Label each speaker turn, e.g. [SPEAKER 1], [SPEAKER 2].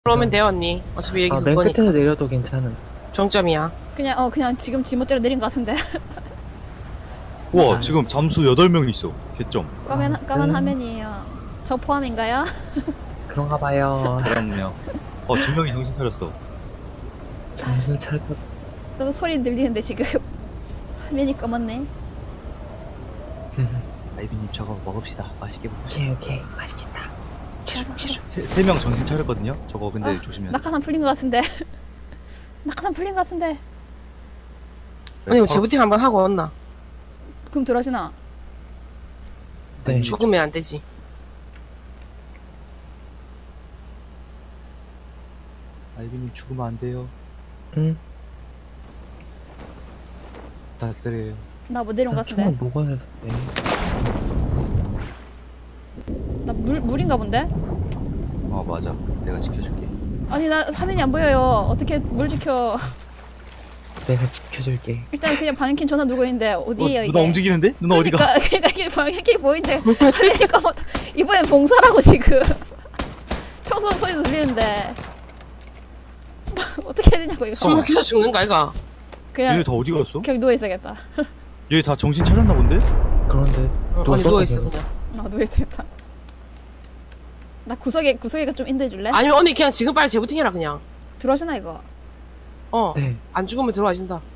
[SPEAKER 1] 그러면 돼요 언니. 어차피 여기
[SPEAKER 2] 맨
[SPEAKER 1] 그거니까.
[SPEAKER 2] 끝에서 내려도 괜찮은.
[SPEAKER 1] 정점이야.
[SPEAKER 3] 그냥 지금 지멋대로 내린 것 같은데.
[SPEAKER 4] 우와
[SPEAKER 2] 아.
[SPEAKER 4] 지금 잠수 8명 있어. 개점.
[SPEAKER 3] 까만 화면이에요. 저 포함인가요?
[SPEAKER 2] 그런가 봐요.
[SPEAKER 4] 그럼요. 2명이 정신 차렸어.
[SPEAKER 2] 정신 차렸다.
[SPEAKER 3] 저도 소리 들리는데 지금 화면이 검었네.
[SPEAKER 4] 아이비님 저거 먹읍시다. 맛있게 먹읍시다.
[SPEAKER 2] 오케이 맛있겠다.
[SPEAKER 4] 세 명 정신 차렸거든요. 저거 근데
[SPEAKER 3] 아,
[SPEAKER 4] 조심해야 돼.
[SPEAKER 3] 낙하산 풀린 것 같은데. 낙하산 풀린 것 같은데.
[SPEAKER 1] 언니 이거 재부팅 한번 하고 왔나?
[SPEAKER 3] 그럼 들어가시나?
[SPEAKER 2] 네.
[SPEAKER 1] 죽으면 안 되지.
[SPEAKER 4] 아이비님 죽으면 안 돼요.
[SPEAKER 2] 응.
[SPEAKER 4] 다 기다려요.
[SPEAKER 3] 나 뭐 내려온 것
[SPEAKER 2] 총알
[SPEAKER 3] 같은데.
[SPEAKER 2] 먹어야 돼.
[SPEAKER 3] 나 물인가 본데?
[SPEAKER 4] 맞아. 내가 지켜줄게.
[SPEAKER 3] 아니 나 화면이 안 보여요. 어떻게 물 지켜?
[SPEAKER 2] 내가 지켜줄게.
[SPEAKER 3] 일단 그냥 방향키 전화 누르고 있는데 어디에요 이게?
[SPEAKER 4] 누나 움직이는데? 누나 어디가?
[SPEAKER 3] 그러니까 이게 방향키 보이는데 화면이 검어. 이번엔 봉사라고 지금. 청소 소리도 들리는데. 어떻게 해야 되냐고 이거.
[SPEAKER 1] 숨 막혀서 죽는 거 아이가?
[SPEAKER 3] 그냥
[SPEAKER 4] 얘네 다 어디 갔어?
[SPEAKER 3] 그냥 누워 있어야겠다.
[SPEAKER 4] 얘 다 정신 차렸나 본데?
[SPEAKER 2] 그런데
[SPEAKER 1] 언니 누워있어 그냥.
[SPEAKER 3] 나 누워 있어야겠다. 나 구석에가 좀 인도해 줄래?
[SPEAKER 1] 아니면 언니 그냥 지금 빨리 재부팅 해라 그냥.
[SPEAKER 3] 들어오시나 이거?
[SPEAKER 1] 어.
[SPEAKER 2] 네.
[SPEAKER 1] 안 죽으면 들어와진다.